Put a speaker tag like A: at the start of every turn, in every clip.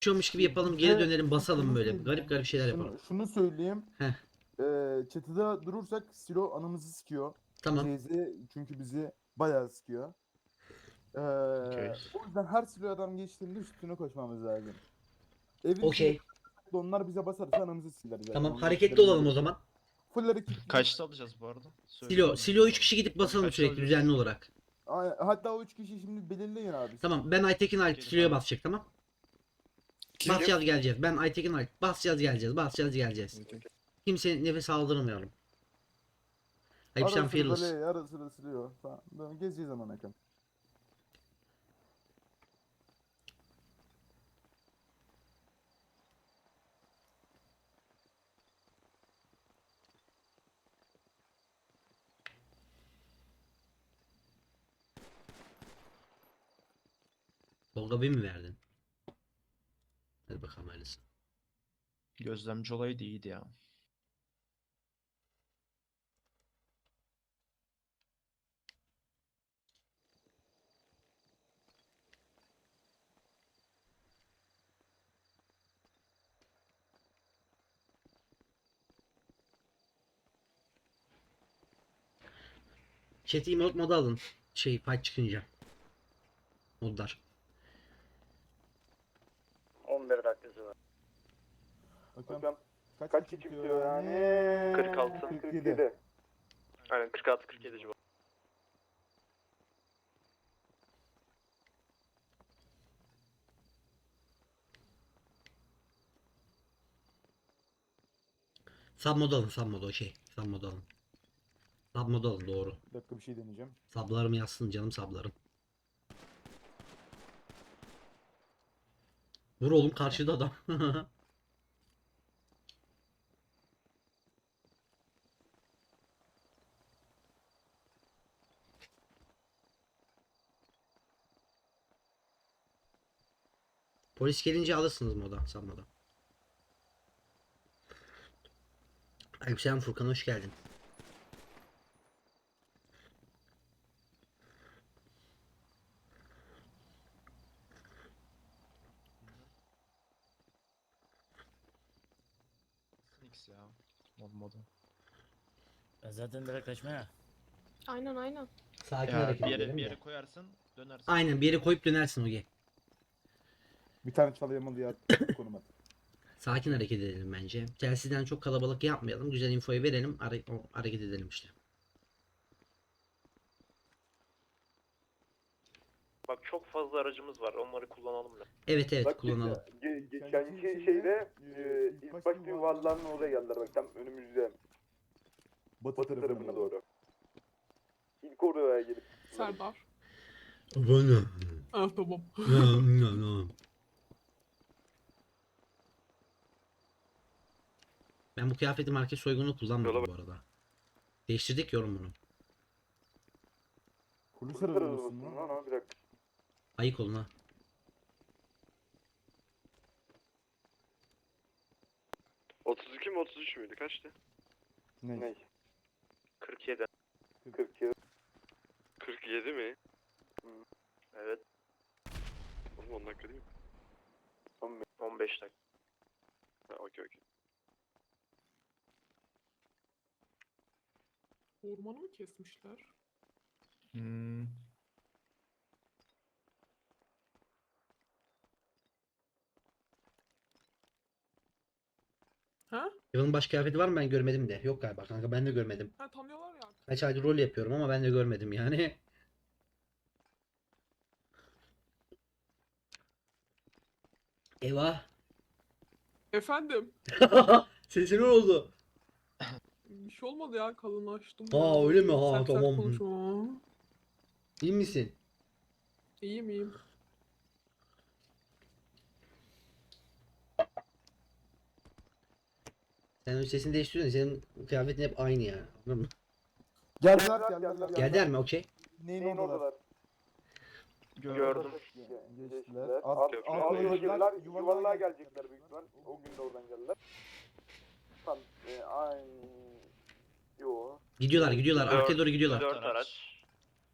A: Geçiyormuş gibi yapalım, geri dönelim, basalım böyle. Garip garip şeyler yapalım.
B: Şunu söyleyeyim.
A: Heh,
B: Çatıda durursak Silo anamızı sikiyor.
A: tamam.
B: Teyze çünkü bizi bayağı sikiyor.
C: Okey.
B: O yüzden her Silo adam geçtiğinde üstüne koşmamız lazım. Evin içinde
A: Okey.
B: onlar bize basarsa anamızı siler zaten.
A: Tamam,
B: Onu
A: hareketli
B: göstermeye
A: olalım o
B: gerek yok.
A: zaman.
B: Full hareketli.
C: Kaçta alacağız bu arada?
A: Silo 3 kişi gidip basalım
C: Kaçta
A: sürekli
C: alacağız?
A: düzenli olarak.
B: Hatta o 3 kişi şimdi belirleyin abi.
A: Tamam, ben Aytekin Halit
C: Gelin
A: Silo'ya
C: abi.
A: basacak, tamam. Basacağız geleceğiz. Ben Aytekin Halit basacağız geleceğiz. Basacağız geleceğiz. Kimse nefes aldırmayalım. Ayıp sen
B: Ara sıra
A: fearless.
B: böyle ara sıra siliyor. Tamam. Böyle gezeceğiz zaman akım.
A: Tolga bir mi verdin? Hadi bakalım hayırlısı.
C: Gözlemci olayı da iyiydi ya.
A: Chat'i emote moda alın. Fight çıkınca. Modlar.
D: 11 dakikası var.
B: Hocam kaç çıkıyor yani?
D: 46.
B: 47.
D: Aynen 46-47 civarı.
A: Sub moda alın, sub moda Sub moda alın. Sub moda alın, doğru.
B: Bir dakika bir şey deneyeceğim.
A: Sablarım yazsın canım, sablarım. Vur oğlum, karşıda adam. Polis gelince alırsınız moda, sub moda. Aleykümselam Furkan, hoş geldin.
C: X ya. Modu.
E: Ben zaten direkt kaçmaya.
F: Aynen.
A: Sakin
C: Ya
A: hareket
C: bir yere,
A: edelim
C: bir
A: de.
C: yere koyarsın dönersin.
A: Aynen, bir yere koyup dönersin Oge.
B: Bir tane çalıyamalı yer konum at.
A: Sakin hareket edelim bence. Telsizden çok kalabalık yapmayalım. Güzel infoyu verelim. Hareket edelim işte.
D: Bak çok fazla aracımız var. Onları kullanalım da.
A: Evet evet, kullanalım.
B: Geçenki şeyde ilk başta yuvarlanın oraya geldiler bak tam önümüzde. Batı tarafına doğru. İlk oraya gelip.
F: Serdar.
A: Bana.
F: Ah tamam.
A: Ben bu kıyafeti market soygunu kullanmadım bu arada. Değiştirdik yorum bunu.
B: Polis arabasın lan. Bir dakika.
A: Ayık olun ha.
D: ...32 mi 33 müydü? Kaçtı?
B: Ne?
D: 47.
B: 42.
D: 47 mi? Evet. Oğlum 10 dakika değil mi? 15 dakika. Ha okey.
F: Ormanı mı kesmişler?
C: Hmm.
F: Ha?
A: Yılın baş kıyafeti var mı, ben görmedim de. Yok galiba kanka, ben de görmedim.
F: Ha tanıyorlar ya.
A: Kaç aydır rol yapıyorum ama ben de görmedim yani. Eyvah.
F: Efendim.
A: Sesi ne oldu?
F: Bir şey olmadı ya kalınlaştım.
A: Ha, öyle mi? Ha,
F: Sert sert
A: tamam.
F: konuşma.
A: İyi misin?
F: İyiyim.
A: Sen o sesini değiştiriyorsun. Senin kıyafetin hep aynı yani. Anladın mı?
B: Geldiler.
A: Geldiler mi? Okey.
B: Neyin oradalar?
D: Gördüm.
B: Geçtiler.
D: Yuvarlığa yuvarlığa gelecekler büyük ihtimal. O gün de oradan geldiler. Tam yo.
A: Gidiyorlar. Arkaya doğru gidiyorlar.
D: 4 araç.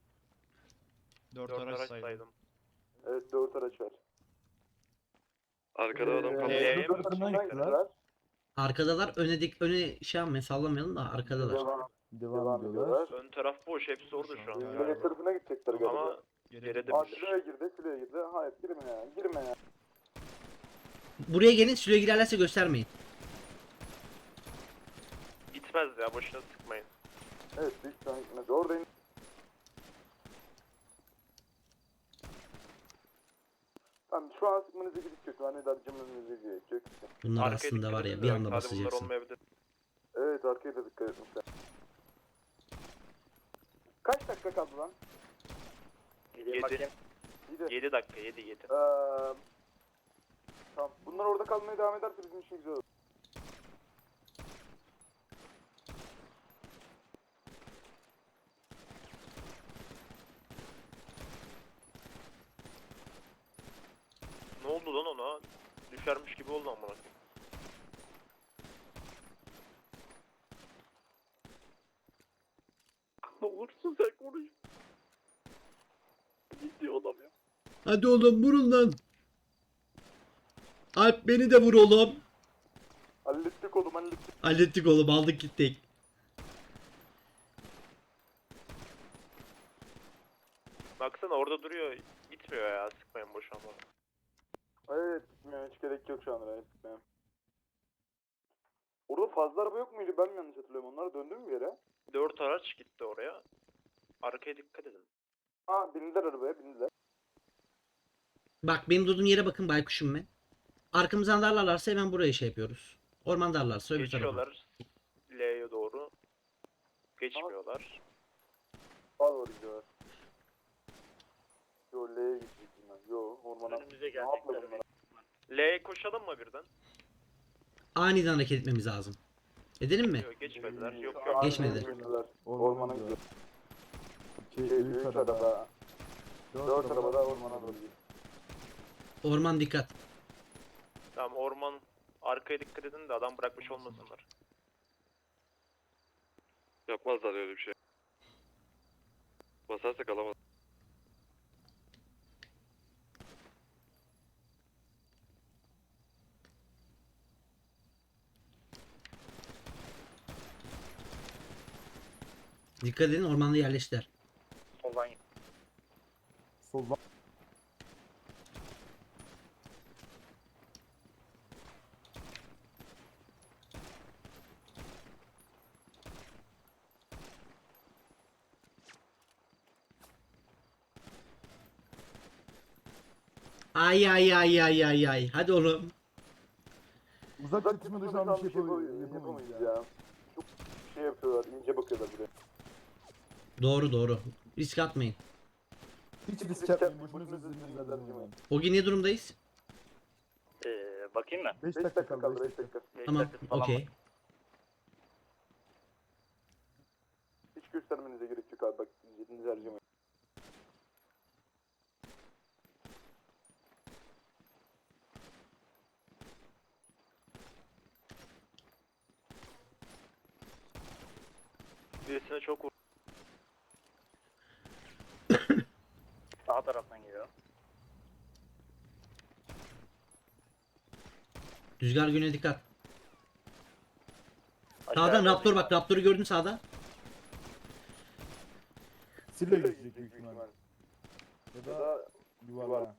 C: 4
D: 4
C: araç
D: araç
C: saydım.
D: saydım.
B: Evet 4 araç var.
G: Arkada adam kaldı.
C: L'ye mi
D: Sırtından
C: gidecekler?
D: gittiler.
A: Arkadalar öne şey yapmayın, sallamayalım da arkadalar.
D: Devam ediyorlar.
C: Ön taraf boş. Hepsi orada şu an.
B: L tarafına gidecekler galiba.
C: Ama geri
B: Aa
C: de
B: şuraya girdi, şuraya girdi. Hayır girme ya, girme ya.
A: Buraya gelin, süre girerlerse göstermeyin.
C: gitmez ya. Boşuna sıkmayın.
B: Evet, büyük ihtimalle gitmez. Oradayım. Tamam şu an sıkmanıza gerek yok. Hani darcımınıza gerek yok.
A: Bunlar
C: Arkaya
A: aslında
C: dikkat
A: var ya
C: edin
A: bir
C: de
A: anda
C: belki hadi bunlar
A: basacaksın.
C: olmayabilir.
B: Evet arkaya da dikkat etmişler. Kaç dakika kaldı lan?
C: 7.
B: İyi de.
C: 7 dakika. 7.
B: Tamam. Bunlar orada kalmaya devam ederse bizim için güzel olur.
C: Ne oldu lan ona? Düşermiş gibi oldu amına koyayım. Ne olursun sen konuş. Gidiyor adam ya.
A: Hadi oğlum vurun lan. Alp beni de vur oğlum.
B: Hallettik oğlum hallettik.
A: Hallettik oğlum, aldık gittik.
C: Baksana orada duruyor. Gitmiyor ya. Sıkmayın boşuna.
B: Evet gitmiyor hiç gerek yok şu an oraya gitmeye. Orada fazla araba yok muydu ben mi yanlış hatırlıyorum onlar döndü mü bir yere?
C: 4 araç gitti oraya. Arkaya dikkat edin.
B: Aa bindiler arabaya bindiler.
A: Bak benim durduğum yere bakın baykuşum ben. Arkamızdan darlarlarsa hemen buraya şey yapıyoruz. Orman darlarsa öbür tarafa.
C: Geçiyorlar. L'ye doğru. Geçmiyorlar.
B: Sağa doğru gidiyorlar. Yo L'ye gidecektim ben. Yo ormana.
E: Önümüze
B: Ne yapma
E: gelecekler.
B: bunlar?
C: L'ye koşalım mı birden?
A: Aniden hareket etmemiz lazım. Edelim mi?
C: Yok geçmediler. Yok
B: Aa,
C: yok.
A: Geçmedi.
B: geçmediler.
D: Ormana
B: Ormana gidiyor.
D: gidiyor.
B: Şey, büyük araba. 4 araba da ormana doğru gidiyor.
A: Orman dikkat.
C: Tamam orman arkaya dikkat edin de adam bırakmış olmasınlar.
G: Yapmazlar öyle bir şey. Basarsak alamaz.
A: Dikkat edin, ormanda yerleştiler.
E: Soldan
D: Soldan.
A: Ay ay ay ay ay ay. Hadi oğlum.
D: Uzak çatışmada şu an bir şey yapamayız
B: yapamayız
D: ya.
B: ya. Çok şey yapıyorlar ince bakıyorlar buraya.
A: Doğru doğru. Risk atmayın.
D: Hiç risk yapmayın. Boşuna sözünü vermeyin.
A: Ogi ne durumdayız?
E: bakayım mı?
D: 5
B: 5 dakika kaldı 5 dakika.
A: Tamam. Okey.
B: Hiç göstermenize gerek yok abi bak zihninizi harcamayın.
C: Birisine çok vur.
E: Sağ taraftan geliyor.
A: Rüzgar güne dikkat.
E: Aşağıya
A: Sağdan
E: doğru
A: Raptor bak. Raptor'u gördüm sağda.
D: Silo gidecek büyük ihtimal. Ya
B: Ya
D: da
B: da
D: yuvarlağa.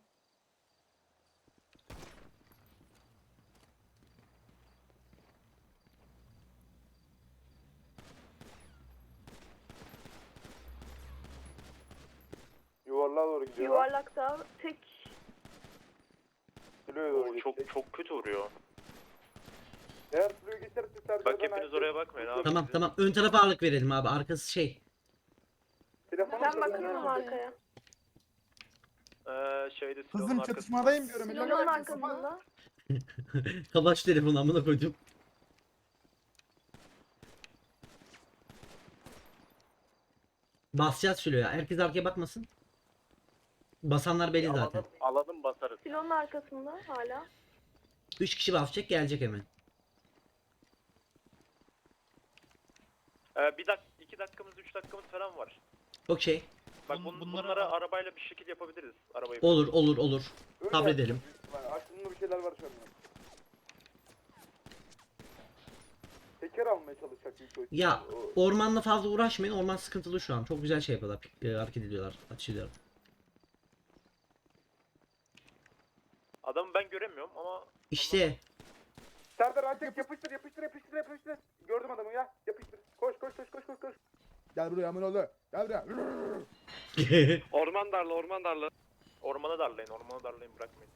B: yuvarlığa doğru gidiyor.
H: Yuvarlakta tek
B: Kiloya doğru
C: Oo,
B: geçecek.
C: çok kötü vuruyor.
B: Eğer kiloya geçerse tercih
C: Bak hepiniz oraya bakmayın abi.
A: Tamam
C: Bizi-
A: tamam. Ön tarafa ağırlık verelim abi. Arkası şey.
H: ben bakıyorum arkaya.
C: Şeyde
D: Kızım
C: silahın
D: çatışmadayım diyorum.
H: Silonun arkasında.
A: Kapaç telefonu amına koydum. Basacağız Sülo'ya. Herkes arkaya bakmasın. Basanlar belli zaten.
E: Alalım basarız.
H: Silonun arkasında hala.
A: 3 kişi basacak, gelecek hemen.
C: Bir 2 dakikamız 3 dakikamız falan var.
A: Okey.
C: Bak bunlara arabayla bir şekil yapabiliriz. Arabayı.
A: Olur.
B: Öyle
A: Sabredelim.
B: yapacağız büyük ihtimalle. Aklımda bir şeyler var şu an. Teker almaya çalışacak büyük ihtimalle.
A: Ya ormanla fazla uğraşmayın. Orman sıkıntılı şu an. Çok güzel şey yapıyorlar. Hareket ediyorlar. Açılıyor.
C: Adamı ben göremiyorum ama
A: İşte
B: Serdar Altek yapıştır. Gördüm adamı ya. Yapıştır. Koş.
D: Gel buraya amına oğlu. Gel buraya.
G: Orman darla.
C: ormana darlayın bırakmayın.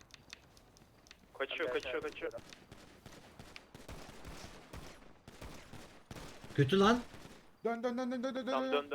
C: Kaçıyor.
A: kötü lan.
D: Dön.
C: Tamam döndü.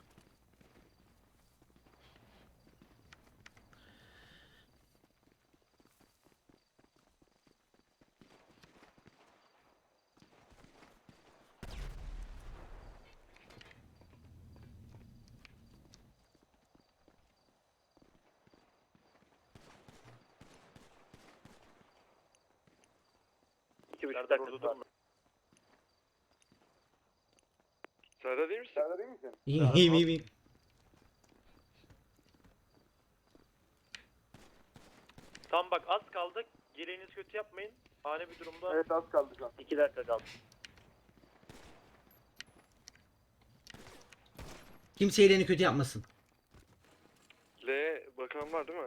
E: İki buçuk
C: Serdar orada
E: dakika var.
C: durma.
G: Serdar değil misin?
B: Serdar iyi misin?
A: İyiyim.
C: Tamam bak az kaldı. Geleğinizi kötü yapmayın. Ani bir durumda
B: Evet az kaldı şu an.
E: 2 dakika kaldı.
A: Kimse elini kötü yapmasın.
G: L bakan var değil mi?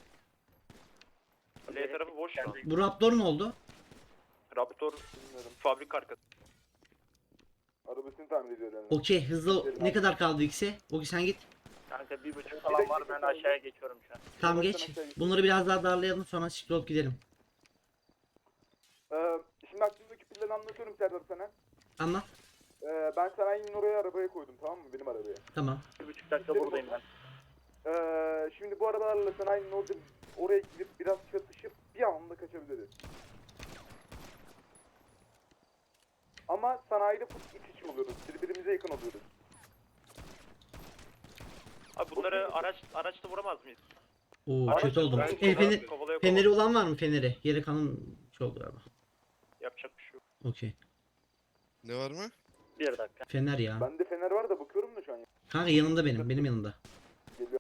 C: L tarafı boş şu an.
A: Bu Raptor ne oldu?
C: Raptor fabrika arkası.
B: Arabasını tamir ediyor yani.
A: Okey hızlı. Ne kadar kaldı ikisi? Okey sen git.
E: Kanka 1,5 falan var, ben aşağıya geçiyorum şu an.
A: Tamam geç. Bunları biraz daha darlayalım sonra siktir olup gidelim.
B: Şimdi aklımdaki planı anlatıyorum Serdar sana.
A: Anlat.
B: Ben sanayinin oraya arabaya koydum, tamam mı? Benim arabaya.
A: Tamam.
E: 1,5 dakika buradayım ben.
B: Şimdi bu arabalarla sanayinin oraya gidip biraz çatışıp bir anda kaçabiliriz. Ama sanayide full iç içe oluyoruz. Birbirimize yakın oluyoruz.
C: Abi bunları araçla vuramaz mıyız?
A: Oo kötü oldum.
C: Ben
A: El feneri,
C: kovalaya
A: feneri olan var mı feneri? Geri kalan çok galiba.
C: yapacak bir şey yok.
A: Okey.
G: Ne var mı?
E: 1 dakika.
A: Fener ya.
B: Bende fener var da bakıyorum da şu an.
A: Kanka yanımda benim yanımda.
B: Geliyor.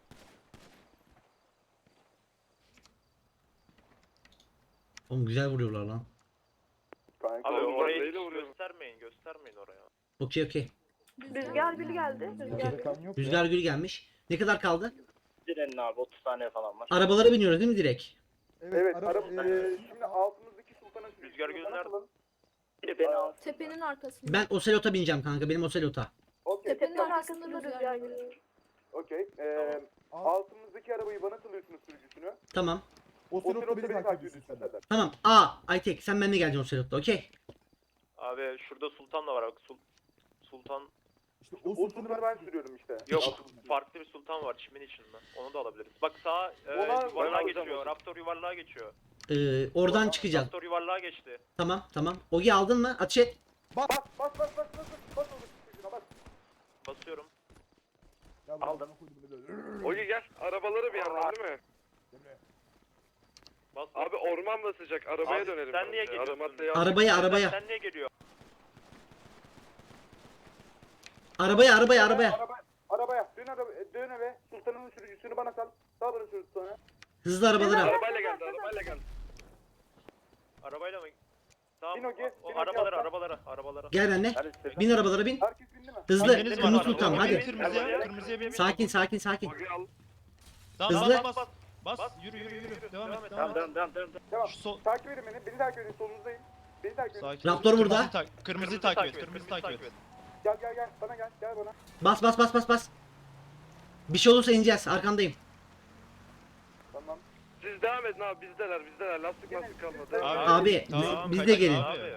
A: Oğlum güzel vuruyorlar lan.
B: Kanka.
C: Abi
G: Oğlum,
C: orayı
G: neyle
C: hiç
G: vuruyorsun?
C: göstermeyin oraya.
A: Okey.
H: Rüzgar gülü geldi. Rüzgar gülü.
D: Kan yok ya.
A: Rüzgar gül gelmiş. Ne kadar kaldı?
E: Direnin abi 30 saniye falan var.
A: Arabalara biniyoruz değil mi direkt?
B: Evet,
D: araba-
B: şimdi altımızdaki sultanın
C: Rüzgar Gölü nerede?
E: Biri beni al.
I: Tepenin arkasında.
A: Ben Ocelot'a bineceğim kanka. Benim Ocelot'a.
B: Okey,
I: Tepenin
H: Tepenin
I: arkasında
H: arkasında
I: rüzgar
H: rüzgar
I: gülü.
H: gülü.
B: okey.
D: Al.
B: Altımızdaki arabayı bana salıyorsunuz sürücüsünü.
A: Tamam.
D: O
B: Otelot'ta
D: sırada beni takip ediyorsun
B: ediyorsun
D: sen.
B: Serdar.
A: Tamam. Aytek sen benimle geleceksin Ocelot'ta. Okey.
C: Abi şurada Sultan da var bak. Sultan
D: İşte
B: O
D: o sultanı
B: sultanı ben sürüyorum işte.
C: yok. Farklı bir sultan var çimin içinde. Onu da alabiliriz. Bak sağa
B: Ona-
C: yuvarlığa
G: ben
C: geçiyor.
G: alacağım.
C: Raptor yuvarlığa geçiyor.
A: Oradan çıkacağız.
C: Raptor yuvarlığa geçti.
A: Tamam. Ogi aldın mı? Ateş et.
B: Bas oğlum çocuğuna bas.
C: Basıyorum.
E: Aldım.
G: Ogi gel. Arabaları bir yandan değil mi?
C: Bas.
G: Abi orman basacak. Arabaya
C: Abi,
G: dönelim.
C: sen niye
G: bence.
C: geliyorsun?
G: Aramatla
A: Arabaya.
C: Sen niye geliyor?
A: Arabaya.
B: Dön eve. Sultanın sürücüsünü bana sal. Sal bana sürücüsünü.
A: Hızlı arabalara.
G: Arabayla geldi.
C: Arabayla mı? Tamam.
B: Bin Ogi,
C: O
B: bin Ogi
C: arabalara.
A: Gel benimle.
E: Hadi
A: Bin arabalara bin.
B: Herkes bindi mi?
A: Hızlı.
C: Hanginiz var
A: Kırmızı
C: arabada?
A: Sultan hadi.
C: Kırmızıya bin.
A: Sakin.
G: Ogi al.
A: Hızlı.
C: Bas.
F: Yürü.
C: Devam et.
E: Tamam devam.
B: Tamam. Takip edin beni. Beni takip edin. Solunuzdayım. Beni takip edin.
A: Raptor burada.
C: Kırmızıyı takip et.
B: Gel. Bana gel. Gel bana.
A: Bas. Bir şey olursa ineceğiz. Arkandayım.
B: Tamam.
G: Siz devam edin abi. Bizdeler. Lastik kalmadı.
A: Abi biz de gelin.
C: Abi.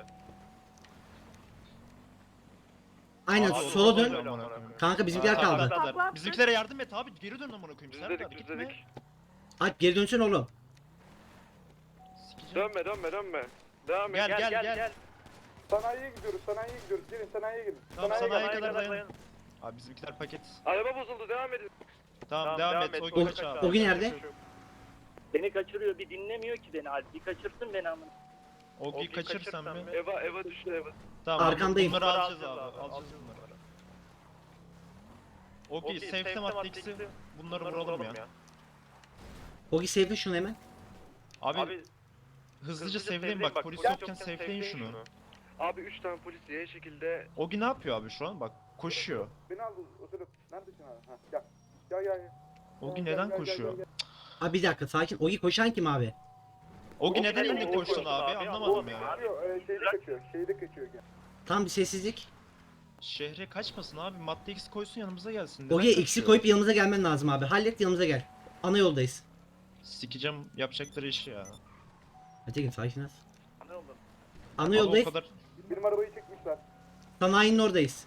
A: Aynen
C: Abi,
A: sola dön.
C: öyle.
A: Kanka bizimkiler kaldı.
H: Takla
F: Bizimkilere yardım et abi. Geri dön amına koyayım.
G: Biz
F: Serdar
G: dedik.
F: gitme.
A: Alp geri dönsün oğlum.
F: Sikeceğim.
G: Dönme. Devam et.
F: Gel.
B: Sanayiye gidiyoruz. Gelin sanayiye gidin.
F: Tamam,
B: Sanayiye
F: sanayiye
B: gidin.
F: kadar dayan. Abi bizimkiler paket.
G: Araba bozuldu. Devam edin.
F: Tamam devam et. O kaç abi.
A: Ogi nerede?
E: Beni kaçırıyor, bir dinlemiyor ki beni. Alp bir kaçırsın beni amına.
F: Ogi'yi kaçırırsan mı?
G: Eva düştü Eva.
F: Tamam.
A: Arkandayım.
F: Bunları alacağız abi. Alacağız bunları. Ogi safe'te Matrix'i bunları vuralım ya.
A: Ogi sevdi şunu hemen.
F: Abi hızlıca safe'leyin bak, polis yokken safe'leyin şunu.
G: Abi 3 tane polis diye şekilde
F: Ogi ne yapıyor abi şu an? Bak koşuyor.
D: Beni al o sırada. Neredesin abi? Ha gel. Gel.
F: Ogi
D: Gel,
F: neden
D: gel,
F: koşuyor?
D: gel.
A: Abi bir dakika sakin. Ogi koşan kim abi?
F: Ogi neden indi koştun abi? Anlamadım ya.
D: Kaçıyor, şeyde kaçıyor. Gel.
A: Tam bir sessizlik.
F: Şehre kaçmasın abi. Matrix koysun yanımıza gelsin. Neden
A: Ogi'ye X'i
F: kaçıyor?
A: koyup yanımıza gelmen lazım abi. Hallet yanımıza gel. Ana yoldayız.
F: Sikeceğim yapacakları işi ya.
A: Aytekin sakin ol.
E: Ne oldu?
A: Ana
F: Abi o
A: yoldayız.
F: kadar
D: Benim arabayı çekmişler.
A: Sanayinin oradayız.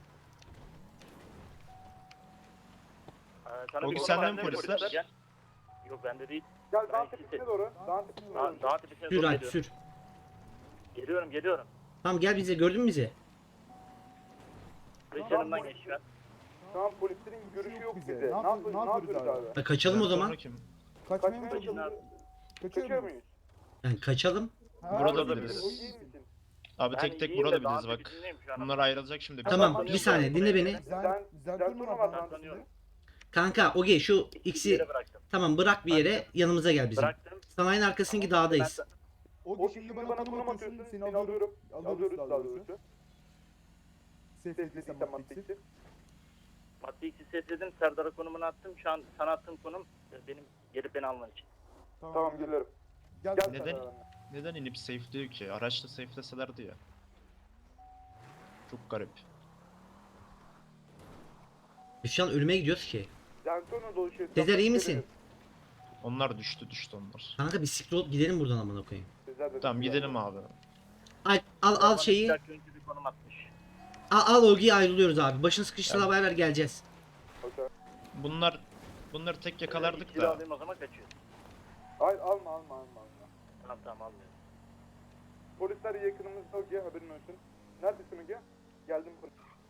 E: Sana
F: Ogi,
E: bir
F: sende
E: konum
F: mi
E: verdim,
F: polisler?
E: Gel. Yok bende değil.
D: Gel
E: Ben
D: dağın
E: sizi-
D: tepesine doğru. Dağın tepesine doğru.
E: Daha tepesine
A: Sür
E: doğru
A: Alp
E: geliyorum.
A: sür.
E: Geliyorum.
A: Tamam gel bize, gördün mü bizi?
E: Polis yanımdan geçiyor.
D: Şu an polislerin görüşü yok bize. Ne yapıyoruz abi?
A: Ha, kaçalım o
F: Bizden
A: zaman.
F: sonra kim?
D: Kaçmaya mı
E: Kaçın abi.
D: Kaçıyor muyuz?
A: Yani kaçalım.
F: Burada
E: da
F: biliriz.
D: O iyi misin?
F: Abi
E: Ben
F: tek tek
E: iyiyim de
F: burada
E: daha
F: biliriz bak.
E: tepesindeyim şu an.
F: Bunlar ayrılacak şimdi.
A: Tamam bir saniye dinle beni.
D: Zerturna var lan
E: Tanıyorum.
A: Kanka Ogi şu
E: Bir
A: X'i
E: yere bıraktım.
A: tamam bırak bir yere, yanımıza gel bizim.
E: Bıraktım.
A: Sanayinin arkasındaki dağdayız.
D: O şimdi bana konum atıyorsun. Seni alıyorum. Alıyoruz daha doğrusu. Safe'lediysen Matrix'i.
E: Matrix'i sesledim. Serdar'a konumunu attım. Şu an sana attığım konum benim gelip beni alman için.
D: Tamam geliyorum. Gel
F: Neden? Neden inip safe'liyor ki? Araçta safe'leselerdi ya. Çok garip.
A: Biz şu an ölüme gidiyoruz ki.
D: Zerturna dolaşıyor.
A: Sezer iyi misin?
F: Onlar düştü onlar.
A: Kanka bir siktir olup gidelim buradan amına koyayım.
F: Tamam gidelim abi.
A: Al
E: Bana
A: şeyi.
E: bir dakika önce bir konum atmış.
A: Al Ogi'ye ayrılıyoruz abi. Başını sıkıştır haber ver, geleceğiz.
F: Bunları tek yakalardık
E: İkili
F: da.
E: alayım o zaman kaçıyor.
D: Hayır alma.
E: Tamam almıyorum.
D: Polisler yakınımızda Ogi haberin olsun. Neredesin Ogi? Geldim polis.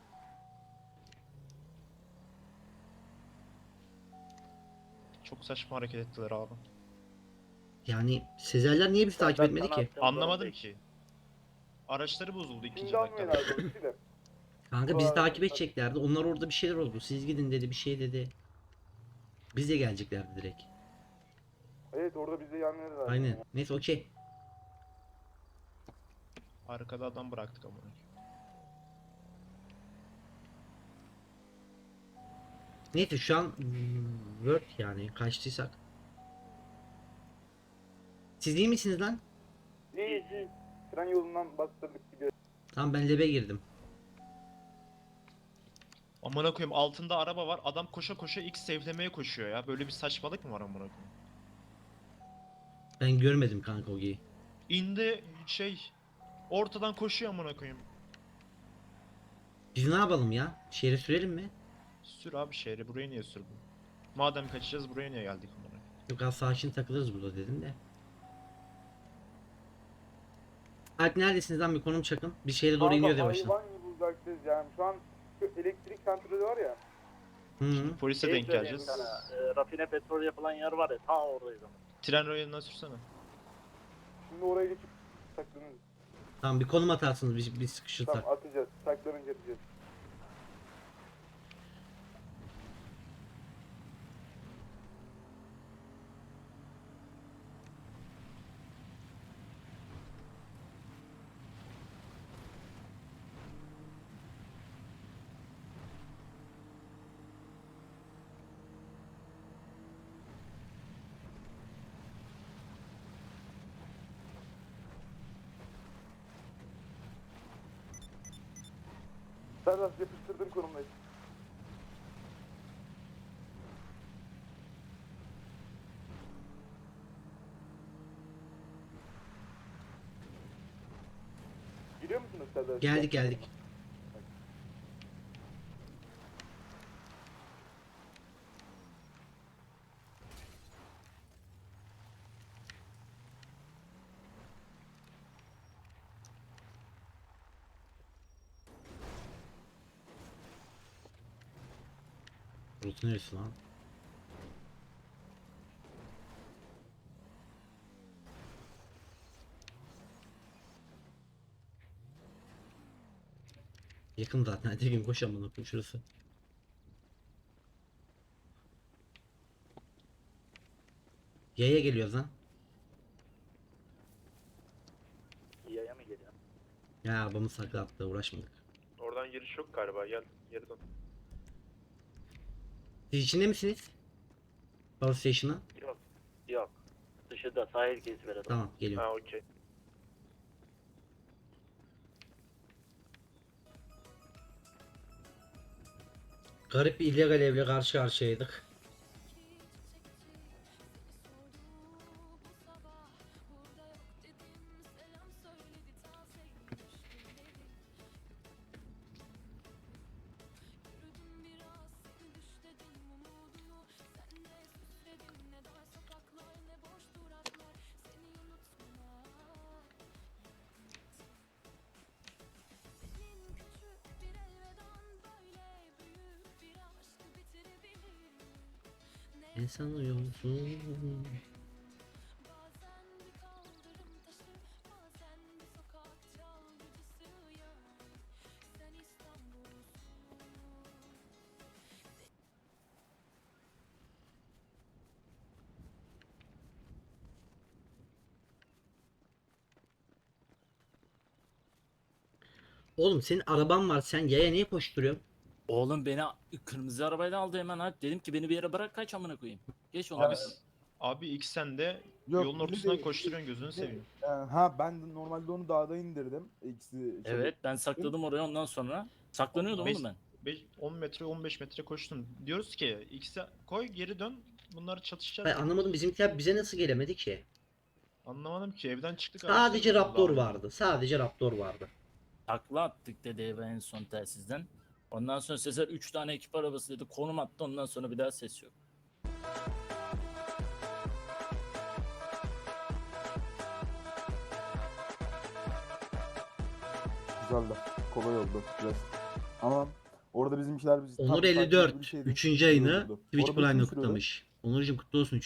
F: Çok saçma hareket ettiler abi.
A: Yani Sezerler niye bizi takip
E: Ben
A: etmedi
E: sana
A: ki?
E: attığım
F: Anlamadım
E: konum
F: ki. Araçları bozuldu ikinci
D: Şimdi almıyor
F: dakikada.
D: herhalde polisi de.
A: Kanka bizi takip edeceklerdi. Onlar orada bir şeyler oldu. Siz gidin dedi, bir şey dedi. Biz de geleceklerdi direkt.
D: Evet orada bize yanlarız.
A: Aynen. Neyse okey.
F: Arkada adam bıraktık ama.
A: Neyse şu an Word yani kaçtıysak. Siz iyi misiniz lan?
D: İyi. Tren yolundan bastırdık gidiyor.
A: Tamam ben lebe girdim.
F: Amına koyayım, altında araba var. Adam koşa koşa X safe'lemeye koşuyor ya. Böyle bir saçmalık mı var amına koyayım?
A: Ben görmedim kanka Ogi'yi.
F: İndi ortadan koşuyor amına koyayım.
A: Biz ne yapalım ya? Şehre sürelim mi?
F: Sür abi şehri, buraya niye sürdün? Madem kaçacağız buraya niye geldik amına koyayım?
A: Yok az sakin takılırız burada dedim de. Alp neredesiniz lan, bir konum çakın. Bir şehre doğru iniyor yavaştan.
D: Hayvan gibi uzaktayız yani. Şu an şu elektrik santrali var ya.
A: Hı.
F: Polise
E: Şey
F: denk
E: söyleyeyim
F: geleceğiz.
E: sana, rafine petrol yapılan yer var ya ta oradayız ama.
F: Tren rayından sürsene.
D: Şimdi oraya geçip saklanırız.
A: Tamam bir konum atarsınız bir sıkışırsak.
D: Tamam atacağız. Saklanınca atacağız. Serdar yapıştırdım konumdayız. Giriyor musunuz Serdar?
A: Geldik. Burası neresi lan? Yakın zaten. Hadi gün koş amına koyayım şurası. Yaya geliyoruz lan.
E: Yaya mı geliyor?
A: Ya arabamı saklattı, uğraşmadık.
C: Oradan giriş yok galiba. Gel geri dön.
A: Siz içinde misiniz? Power Station'a.
E: Yok. Yok. Dışında sahil gezisi ver adam.
A: Tamam, geliyorum.
C: Ha okey.
A: Garip bir illegal evle karşı karşıyaydık. Ne sanıyorsun? Oğlum senin araban var, sen yaya niye koşturuyorsun?
I: Oğlum beni kırmızı arabayla aldı hemen abi. Dedim ki beni bir yere bırak kaç amına koyayım. Geç onu.
F: Abi ilk sen de
D: Yok,
F: yolun
D: bir
F: ortasından
D: de-
F: koşturuyorsun gözünü seveyim.
D: Ben de normalde onu dağda indirdim.
I: Evet ben sakladım oraya ondan sonra. Saklanıyordum
F: Beş-
I: oğlum ben.
F: 10 metre 15 metre koştun. Diyoruz ki X'e koy geri dön. Bunlar çatışacak.
A: Hayır, anlamadım, bizimkiler bize nasıl gelemedi ki?
F: Anlamadım ki evden çıktık.
A: Sadece
F: araçta-
A: Raptor
F: Allah Allah.
A: vardı. Sadece Raptor vardı.
I: Takla attık dedi eve en son telsizden. Ondan sonra Sezer 3 tane ekip arabası dedi konum attı ondan sonra bir daha ses yok.
D: Güzeldi. Kolay oldu. Biraz. Ama orada bizimkiler
A: Onur 54 3. ayını Twitch Prime'le kutlamış. Onurcuğum kutlu olsun.